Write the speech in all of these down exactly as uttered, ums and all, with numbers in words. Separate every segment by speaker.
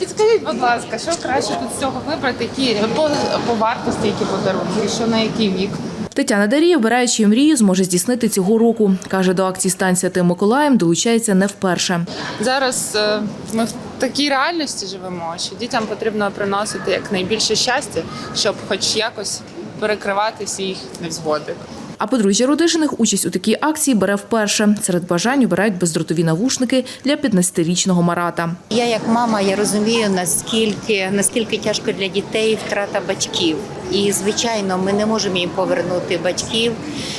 Speaker 1: Підскажіть, будь ласка, що краще тут з цього вибрати, які по, по вартості, які подарунки, що на який вік?
Speaker 2: Тетяна Дарія, обираючи чию мрію, зможе здійснити цього року. Каже, до акції «Стань святим Миколаєм» долучається не вперше.
Speaker 1: Зараз е, ми в такій реальності живемо, що дітям потрібно приносити якнайбільше щастя, щоб хоч якось перекривати всі їх невзгоди.
Speaker 2: А подружжя Рудишиних участь у такій акції бере вперше. Серед бажань обирають бездротові навушники для п'ятнадцятирічного Марата.
Speaker 3: Я як мама, я розумію, наскільки, наскільки тяжко для дітей втрата батьків. І, звичайно, ми не можемо їм повернути батьків,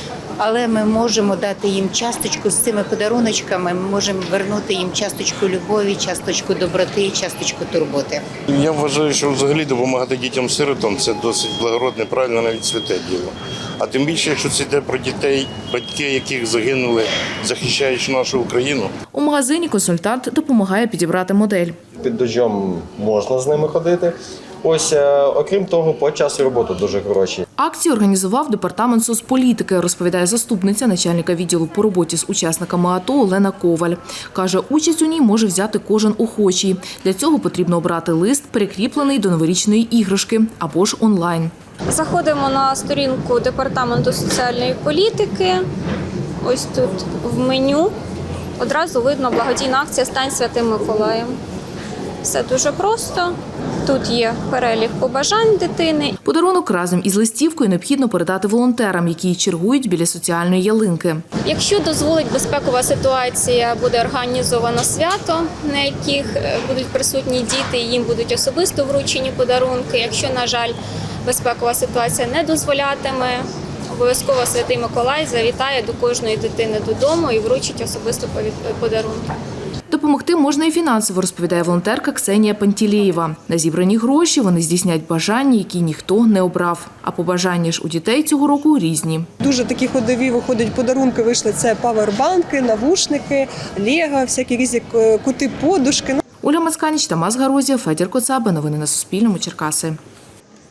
Speaker 3: але ми можемо дати їм часточку з цими подаруночками, ми можемо вернути їм часточку любові, часточку доброти, часточку турботи.
Speaker 4: Я вважаю, що взагалі допомагати дітям-сиротам – це досить благородне, правильно, навіть святе діло. А тим більше, якщо це йде про дітей, батьки яких загинули, захищаючи нашу Україну.
Speaker 2: У магазині консультант допомагає підібрати модель.
Speaker 5: Під дощом можна з ними ходити. Ось, окрім того, по часу роботи дуже хороші.
Speaker 2: Акцію організував департамент соцполітики, розповідає заступниця начальника відділу по роботі з учасниками АТО Олена Коваль. Каже, участь у ній може взяти кожен охочий. Для цього потрібно обрати лист, прикріплений до новорічної іграшки, або ж онлайн.
Speaker 6: Заходимо на сторінку департаменту соціальної політики. Ось тут в меню одразу видно благодійна акція «Стань святим Миколаєм». Все дуже просто. Тут є перелік побажань дитини.
Speaker 2: Подарунок разом із листівкою необхідно передати волонтерам, які чергують біля соціальної ялинки.
Speaker 6: Якщо дозволить безпекова ситуація, буде організовано свято, на яких будуть присутні діти, і їм будуть особисто вручені подарунки. Якщо, на жаль, безпекова ситуація не дозволятиме, обов'язково Святий Миколай завітає до кожної дитини додому і вручить особисто подарунки.
Speaker 2: Допомогти можна і фінансово, розповідає волонтерка Ксенія Пантілеєва. На зібрані гроші вони здійснять бажання, які ніхто не обрав. А побажання ж у дітей цього року різні.
Speaker 7: Дуже такі ходові виходять подарунки, вийшли це павербанки, навушники, лего, всякі різні кути подушки.
Speaker 2: Оля Мацканіч, Тамас Гарозія, Федір Коцаба. Новини на Суспільному. Черкаси.